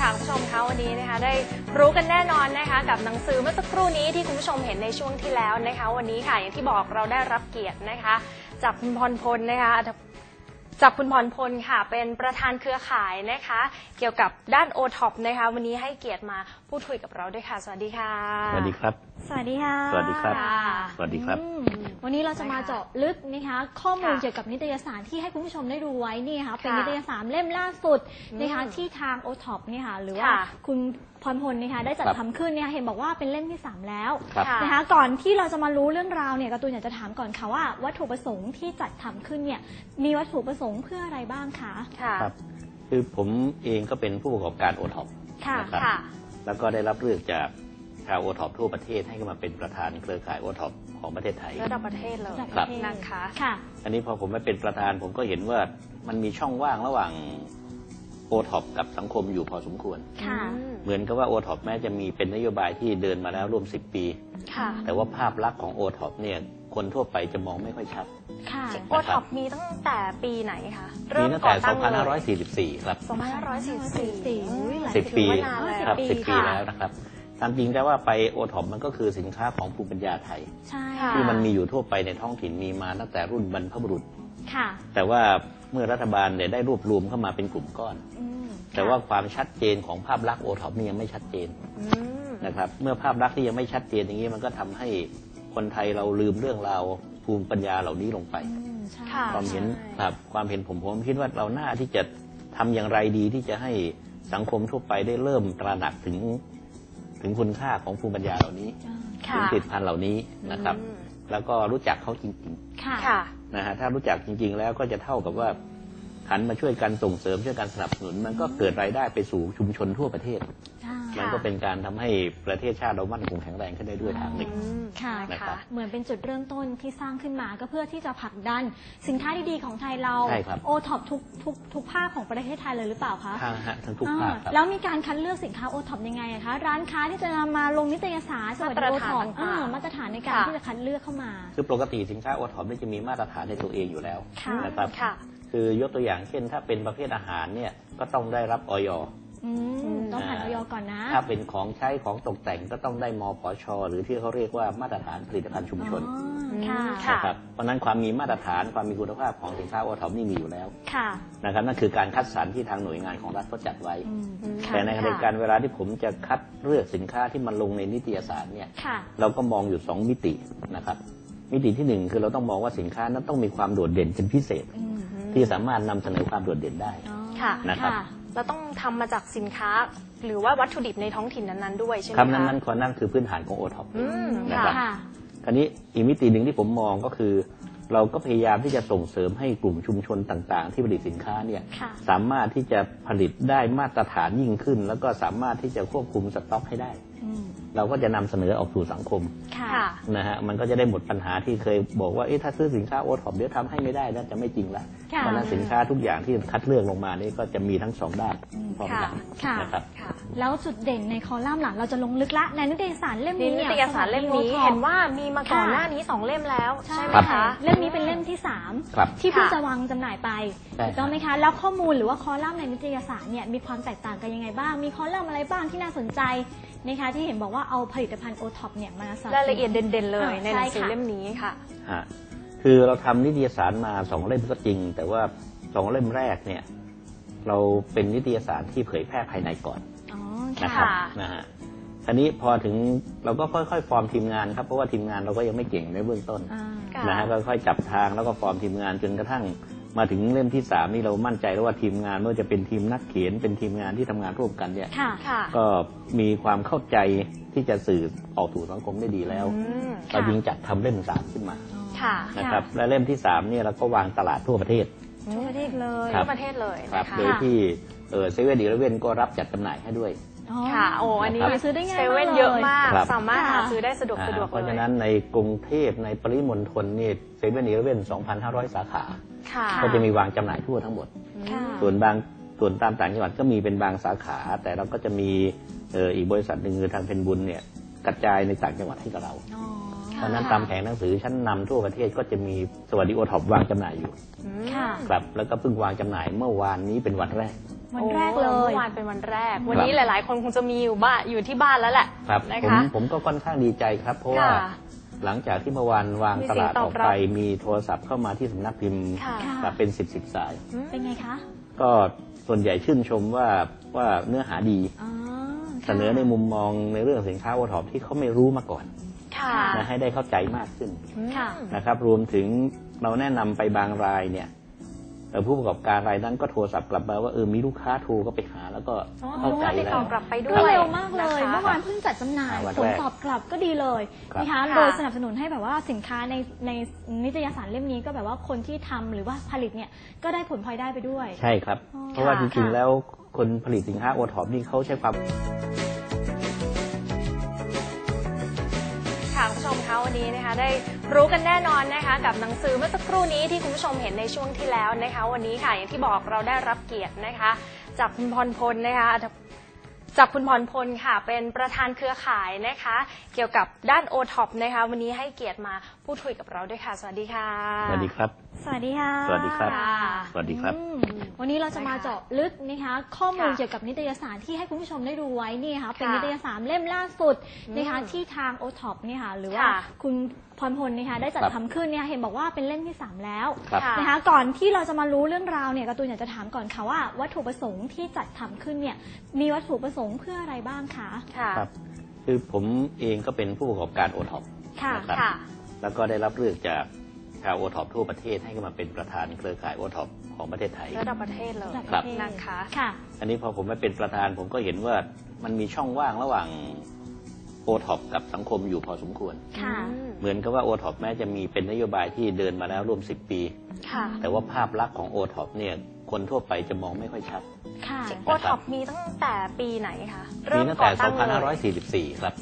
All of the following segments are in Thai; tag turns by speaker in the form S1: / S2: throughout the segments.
S1: ค่ะคุณผู้ชมคะวันนี้นะคะได้รู้กันแน่นอนนะคะกับหนังสือเมื่อสักครู่นี้ที่คุณผู้ชมเห็นในช่วงที่แล้วนะคะวันนี้ค่ะอย่างที่บอกเราได้รับเกียรตินะคะจากคุณพรพลนะคะจากคุณพรพลค่ะเป็นประธานเครือข่ายนะคะเกี่ยวกับด้าน OTOP นะคะวันนี้ให้เกียรติมาพูดคุยกับเราด้วยค่ะสวัสดีค่ะ
S2: สวัสดีครับ
S3: สวัสดีค่ะ
S2: สวัสดีครับสวัสดีครับ
S3: วันนี้เราจะมาเจาะลึกนะคะข้อมูลเกี่ยวกับนิตยสารที่ให้คุณผู้ชมได้ดูไว้นี่ค่ะเป็นนิตยสารเล่มล่าสุดนะคะที่ทาง OTOP นี่ค่ะหรือว่าคุณพรพลนะคะได้จัดทำขึ้นเนี่ยเห็นบอกว่าเป็นเล่มที่3แล้วนะคะก่อนที่เราจะมารู้เรื่องราวเนี่ยการ์ตูนอยากจะถามก่อนค่ะว่าวัตถุประสงค์ที่จัดทำขึ้นเนี่ยมีวัตถุประสงค์เพื่ออะไรบ้างคะ
S2: ครับคือผมเองก็เป็นผู้ประกอบการ OTOP นะครับแล้วก็ได้รับเลือกจากชาว OTOP ทั่วประเทศให้มาเป็นประธานเครือข่าย OTOP ของประเทศไทย
S1: ระดับประเทศเลยนะคะ
S2: อันนี้พอผมมาเป็นประธานผมก็เห็นว่ามันมีช่องว่างระหว่าง OTOP กับสังคมอยู่พอสมควรเหมือนกับว่า OTOP แม้จะมีเป็นนโยบายที่เดินมาแล้วร่วม10 ปีแต่ว่าภาพลักษณ์ของ OTOP เนี่ยคนทั่วไปจะมองไม่ค่อยชัด
S1: OTOP มีตั้งแต่ปีไหนคะ
S2: มีตั้งแต่2544ครับ
S1: 2544
S2: 10 ปีครับ10 ปีแล้วนะครับตามจริงแต่ว่าไป OTOP มันก็คือสินค้าของภูมิปัญญาไทยที่มันมีอยู่ทั่วไปในท้องถิ่นมีมาตั้งแต่รุ่นบรรพบุรุษแต่ว่าเมื่อรัฐบาลเนี่ยได้รวบรวมเข้ามาเป็นกลุ่มก้อนแต่ว่าความชัดเจนของภาพลักษณ์ OTOP นี่ยังไม่ชัดเจนนะครับเมื่อภาพลักษณ์ที่ยังไม่ชัดเจนอย่างนี้มันก็ทำให้คนไทยเราลืมเรื่องราวภูมิปัญญาเหล่านี้ลงไปความเห็นผมคิดว่าเราหน้าที่จะทำอย่างไรดีที่จะให้สังคมทั่วไปได้เริ่มตระหนักถึงคุณค่าของภูมิปัญญาเหล่านี้ถึงผลิตภัณฑ์เหล่านี้นะครับแล้วก็รู้จักเขาจริงๆนะฮะถ้ารู้จักจริงๆแล้วก็จะเท่ากับว่าหันมาช่วยกันส่งเสริมช่วยกันสนับสนุนมันก็เกิดรายได้ไปสู่ชุมชนทั่วประเทศมันก็เป็นการทำให้ประเทศชาติเรามั่นคงแข็งแรงขึ้นได้ด้วยทางหนึ่ง
S3: ค่ะเหมือนเป็นจุดเริ่มต้นที่สร้างขึ้นมาก็เพื่อที่จะผลักดันสินค้าดีๆของไทยเราOTOPทุกภาคของประเทศไทยเลยหรือเปล่าคะ
S2: ทั้งทุกภาค
S3: แล้วมีการคัดเลือกสินค้าOTOPยังไงคะร้านค้าที่จะนำมาลงนิตยสารสวัสดิOTOPมาตรฐานในการที่จะคัดเลือกเข้ามา
S2: คือปกติสินค้าOTOPจะมีมาตรฐานในตัวเองอยู่แล้วนะครับคือยกตัวอย่างเช่นถ้าเป็นประเภทอาหารเนี่ยก็ต้องได้รับอย.
S3: ต้องผ่านอย.ก่อนนะ
S2: ถ้าเป็นของใช้ของตกแต่งก็ต้องได้มปช.หรือที่เขาเรียกว่ามาตรฐานผลิตภัณฑ์ชุมชนนะครับเพราะนั้นความมีมาตรฐานความมีคุณภาพของสินค้าOTOPนี่มีอยู่แล้วนะครับนั่นคือการคัดสรรที่ทางหน่วยงานของรัฐเขาจัดไว้แต่ในขณะเดียวกันเวลาที่ผมจะคัดเลือกสินค้าที่มันลงในนิตยสารเนี่ยเราก็มองอยู่2มิตินะครับมิติที่1คือเราต้องมองว่าสินค้านั้นต้องมีความโดดเด่นเป็นพิเศษที่สามารถนำเสนอความโดดเด่นได้นะครับ
S1: เราต้องทำมาจากสินค้าหรือว่าวัตถุดิบในท้องถิ่นนั้นๆด้วยใช่ไหม
S2: คะครับนั่นคือพื้นฐานของOTOPนะครับคราวนี้อีกมิติหนึ่งที่ผมมองก็คือเราก็พยายามที่จะส่งเสริมให้กลุ่มชุมชนต่างๆที่ผลิตสินค้าเนี่ยสามารถที่จะผลิตได้มาตรฐานยิ่งขึ้นแล้วก็สามารถที่จะควบคุมสต็อกให้ได้เราก็จะนำเสนอออกสู่สังคมนะฮะมันก็จะได้หมดปัญหาที่เคยบอกว่าถ้าซื้อสินค้าOTOPเดี๋ยวทำให้ไม่ได้น่าจะไม่จริงละเพราะนั้นสินค้าทุกอย่างที่คัดเลือกลงมานี่ก็จะมีทั้ง2ด้านพร้อมกันนะครับ
S3: แล้วจุดเด่นในคอลัมน์หลังเราจะลงลึกละในนิตยสารเล่มนี้
S1: นิตยสารเล่มนี้เห็นว่ามีมาก่อนหน้านี้2เล่มแล้วใช่ไหมคะ
S3: เล่มนี้เป็นเล่มที่3ที่เพิ่งจะวางจำหน่ายไปถูกต้องไหมคะแล้วข้อมูลหรือว่าคอลัมน์ในนิตยสารเนี่ยมีความแตกต่างกันยังไงบ้างมีคอลัมน์อะไรบ้างที่น่าสนใจนะคะที่เห็นบอกว่าเอาผลิตภัณฑ์OTOPเนี่ยมา
S1: รายละเอียดเด่นๆเลยในหนังสือเล่มนี้ค่ะ
S2: คือเราทำนิตยสารมา2เล่มก็จริงแต่ว่า2เล่มแรกเนี่ยเราเป็นนิตยสารที่เผยแพร่ภายในก่อนนะครับนะฮะทีนี้พอถึงเราก็ค่อยๆฟอร์มทีมงานครับเพราะว่าทีมงานเราก็ยังไม่เก่งในเบื้องต้นนะฮะก็ค่อยจับทางแล้วก็ฟอร์มทีมงานจนกระทั่งมาถึงเล่มที่3นี่เรามั่นใจแล้วว่าทีมงานไม่ว่าจะเป็นทีมนักเขียนเป็นทีมงานที่ทำงานร่วมกันเนี่ยก็มีความเข้าใจที่จะสื่อออกสู่สังคมได้ดีแล้วเราจึงจัดทำเล่ม3ขึ้นมานะครับและเล่มที่3เนี่ยเราก็วางตลาดทั่วประเทศ
S1: เลยทั่วประเทศเลย
S2: นะคะโดยที่เซเว่นอีเลฟเว่นก็รับจัดจำหน่ายให้ด้วย
S1: ค่ะโอ้อันนี้
S3: ซื้อได้ง่าย
S1: เซเว่นเยอะมากสามารถหาซื้อได้สะดวกเลย
S2: เพราะฉะนั้นในกรุงเทพในปริมณฑลนี่เซเว่นอีเลฟเว่น 2,500 สาขาก็จะมีวางจำหน่ายทั่วทั้งหมดส่วนตามต่างจังหวัดก็มีเป็นบางสาขาแต่เราก็จะมีอีกบริษัทหนึ่งคือทางเพนบุญเนี่ยกระจายในต่างจังหวัดให้กับเราเพราะนั้นตามแผงหนังสือชั้นนำทั่วประเทศก็จะมีสวัสดิOTOPวางจำหน่ายอยู่ครับแล้วก็เพิ่งวางจำหน่ายเมื่อวานนี้เป็นวันแรก
S3: วันแรกเลย
S1: เมื่อวานเป็นวันแรกวันนี้หลายๆคนคงจะมีอยู่ที่บ้านแล้วแหละ
S2: ครับ
S1: นะคะ
S2: ผมก็ค่อนข้างดีใจครับเพราะว่าหลังจากที่เมื่อวานวางตลาดออกไปมีโทรศัพท์เข้ามาที่สำนักพิมพ์แบบเป็น10 สาย
S3: เป็นไงคะ
S2: ก็ส่วนใหญ่ชื่นชมว่าเนื้อหาดีเสนอในมุมมองในเรื่องสินค้าโอท็อปที่เขาไม่รู้มาก่อนให้ได้เข้าใจมากขึ้นนะครับรวมถึงเราแนะนำไปบางรายเนี่ยผู้ประกอบการรายนั้นก็โทรศัพท์กลับมาว่ามีลูกค้าโทรก็ไปหาแล้วก็เข้าใจแล้ว
S1: ตอบกลับไปด้วย
S3: เร็วมากเลยเมื่อวานเพิ่งจัดจำหน่ายผลตอบกลับก็ดีเลยนะคะโดยสนับสนุนให้แบบว่าสินค้าในนิตยสารเล่มนี้ก็แบบว่าคนที่ทำหรือว่าผลิตเนี่ยก็ได้ผลพลอยได้ไปด้วย
S2: ใช่ครับเพราะว่าจริงๆแล้วคนผลิตสินค้าโอท็อปนี่เขาใช้ความ
S1: คุณผู้ชมคะวันนี้นะคะได้รู้กันแน่นอนนะคะกับหนังสือเมื่อสักครู่นี้ที่คุณผู้ชมเห็นในช่วงที่แล้วนะคะวันนี้ค่ะอย่างที่บอกเราได้รับเกียรตินะคะจากคุณพรพลนะคะจากคุณพรพลค่ะเป็นประธานเครือข่ายนะคะเกี่ยวกับด้าน O-TOP นะคะวันนี้ให้เกียรติมาพูดคุยกับเราด้วยค่ะสวัสดีค่ะ
S2: สวัสดีครับ
S3: สวัสดีค่ะ
S2: สวัสดีครับสวัสดีครับ
S3: วันนี้เราจะมาเจาะลึกนะคะข้อมูลเกี่ยวกับนิตยสารที่ให้คุณผู้ชมได้ดูไว้นี่ค่ะเป็นนิตยสารเล่มล่าสุดนะคะที่ทาง O-TOP นี่ค่ะหรือว่าคุณพรพลนะคะได้จัดทำขึ้นเนี่ยเห็นบอกว่าเป็นเล่มที่3แล้วนะคะก่อนที่เราจะมารู้เรื่องราวเนี่ยการ์ตูนอยากจะถามก่อนค่ะว่าวัตถุประสงค์ที่จัดทำขึ้นเนี่ยมีวัตถุประสงค์เพื่ออะไรบ้างคะ
S2: ครับคือผมเองก็เป็นผู้ประกอบการ O-TOP นะครับแล้วก็ได้รับเลือกจากชาว O-TOP ทั่วประเทศให้มาเป็นประธานเครือข่าย O-TOP ของประเทศไทย
S1: ระดับประเทศเลย
S2: ครับ
S1: นะคะ
S2: อันนี้พอผมมาเป็นประธานผมก็เห็นว่ามันมีช่องว่างระหว่างO-TOP กับสังคมอยู่พอสมควรเหมือนกับว่า O-TOP แม้จะมีเป็นนโยบายที่เดินมาแล้วร่วม10 ปีแต่ว่าภาพลักษณ์ของ O-TOP เนี่ยคนทั่วไปจะมองไม่ค่อยชัด
S1: O-TOP มีตั้งแต่ปีไหนคะ
S2: มีตั้งแต่ 2544 ครับ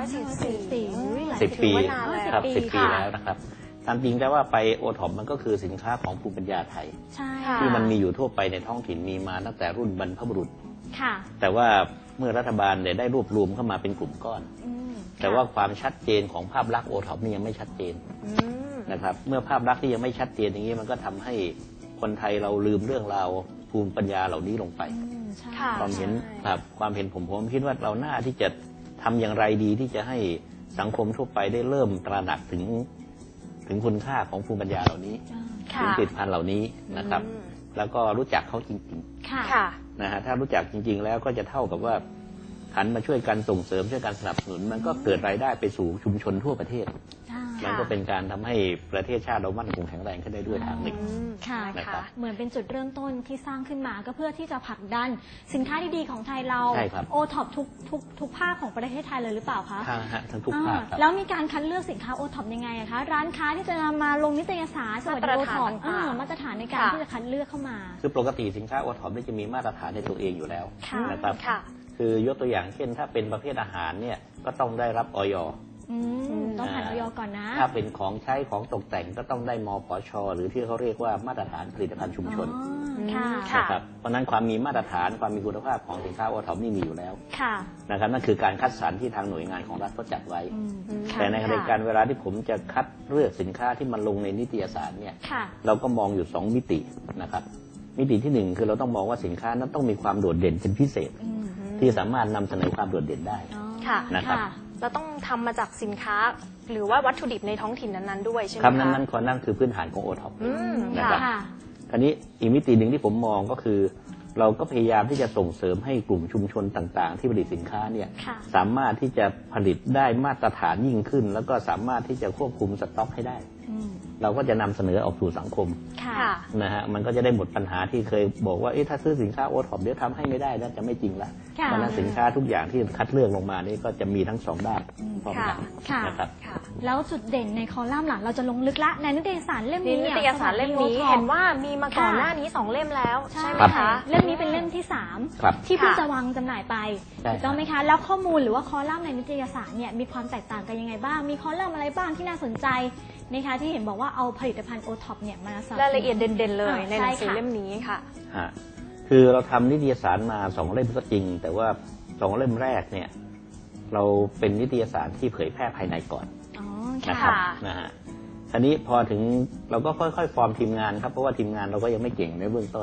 S1: 2544
S2: 10 ปีครับ10 ปีแล้วนะครับตามจริงแต่ว่าไป O-TOP มันก็คือสินค้าของภูมิปัญญาไทยที่มันมีอยู่ทั่วไปในท้องถิ่นมีมาตั้งแต่รุ่นบรรพบุรุษแต่ว่าเมื่อรัฐบาลได้รวบรวมเข้ามาเป็นกลุ่มก้อนแต่ว่าความชัดเจนของภาพลักษณ์ O-TOP นี่ยังไม่ชัดเจนนะครับเมื่อภาพลักษณ์ที่ยังไม่ชัดเจนอย่างนี้มันก็ทำให้คนไทยเราลืมเรื่องราวภูมิปัญญาเหล่านี้ลงไปความเห็นผมคิดว่าเราหน้าที่จะทำอย่างไรดีที่จะให้สังคมทั่วไปได้เริ่มตระหนักถึงคุณค่าของภูมิปัญญาเหล่านี้ถึงผลิตภัณฑ์เหล่านี้นะครับแล้วก็รู้จักเขาจริงๆนะฮะถ้ารู้จักจริงๆแล้วก็จะเท่ากับว่าหันมาช่วยกันส่งเสริมช่วยกันสนับสนุนมันก็เกิดรายได้ไปสู่ชุมชนทั่วประเทศมันก็เป็นการทำให้ประเทศชาติเรามั่นคงแข็งแรงขึ้นได้ด้วยทางหนึ่ง
S3: ค่ะเหมือนเป็นจุดเริ่มต้นที่สร้างขึ้นมาก็เพื่อที่จะผลักดันสินค้าดีๆของไทยเราO-TOP ทุกภาคของประเทศไทยเลยหรือเปล่าคะ
S2: ทั้งทุกภาค
S3: แล้วมีการคัดเลือกสินค้าO-TOPยังไงคะร้านค้าที่จะนำมาลงนิตยสารสวัสดิO-TOPมาตรฐานในการที่จะคัดเลือกเข้ามา
S2: คือปกติสินค้าO-TOPจะมีมาตรฐานในตัวเองอยู่แล้วนะครับคือยกตัวอย่างเช่นถ้าเป็นประเภทอาหารเนี่ยก็ต้องได้รับอย.
S3: ต้องผ่านอย.ก่อนนะ
S2: ถ้าเป็นของใช้ของตกแต่งก็ต้องได้มปช.หรือที่เขาเรียกว่ามาตรฐานผลิตภัณฑ์ชุมชนนะครับเพราะนั้นความมีมาตรฐานความมีคุณภาพของสินค้าO-TOPนี่มีอยู่แล้วนะครับนั่นคือการคัดสรรที่ทางหน่วยงานของรัฐเขาจัดไว้แต่ในขณะเดียวกันเวลาที่ผมจะคัดเลือกสินค้าที่มันลงในนิตยสารเนี่ยเราก็มองอยู่2มิตินะครับมิติที่1คือเราต้องมองว่าสินค้านั้นต้องมีความโดดเด่นเป็นพิเศษที่สามารถนำเสนอความโดดเด่นได้นะครับ
S1: เราต้องทำมาจากสินค้าหรือว่าวัตถุดิบในท้องถิ่นนั้นๆด้วยใช่ไหม
S2: ครับนั่นคือพื้นฐานของO-TOPนะครับคราวนี้อีกมิติหนึ่งที่ผมมองก็คือเราก็พยายามที่จะส่งเสริมให้กลุ่มชุมชนต่างๆที่ผลิตสินค้าเนี่ยสามารถที่จะผลิตได้มาตรฐานยิ่งขึ้นแล้วก็สามารถที่จะควบคุมสต็อกให้ได้เราก็จะนำเสนอออกสู่สังคมนะฮะมันก็จะได้หมดปัญหาที่เคยบอกว่าถ้าซื้อสินค้าO-TOPเดี๋ยวทำให้ไม่ได้นะจะไม่จริงละเพราะนั้นสินค้าทุกอย่างที่คัดเลือกลงมานี่ก็จะมีทั้ง2ด้านพร้อมกันนะครับ
S3: แล้วจุดเด่นในคอลัมน์หลังเราจะลงลึกละในนิตยสารเล่มนี้
S1: นิตยสารเล่มนี้เห็นว่ามีมาก่อนหน้านี้2เล่มแล้วใช่ไหมคะ
S3: เล่มนี้เป็นเล่มที่3ที่เพิ่งจะวางจำหน่ายไปถูกต้องไหมคะแล้วข้อมูลหรือว่าคอลัมน์ในนิตยสารเนี่ยมีความแตกต่างกันยังไงบ้างมีคอลัมน์อะไรบ้างที่น่าสนใจนะคะที่เห็นบอกว่าเอาผลิตภัณฑ์O-TOPเนี่ยมาร
S1: ายละเอียดเด่นๆเลยในหนังสือเล่มนี้ค่ะ
S2: คือเราทำนิตยสารมา2เล่มก็จริงแต่ว่า2เล่มแรกเนี่ยเราเป็นนิตยสารที่เผยแพร่ภายในก่อนนะครับนะฮะทีนี้พอถึงเราก็ค่อยๆฟอร์มทีมงานครับเพราะว่าทีมงานเราก็ยังไม่เก่งในเบื้องต้น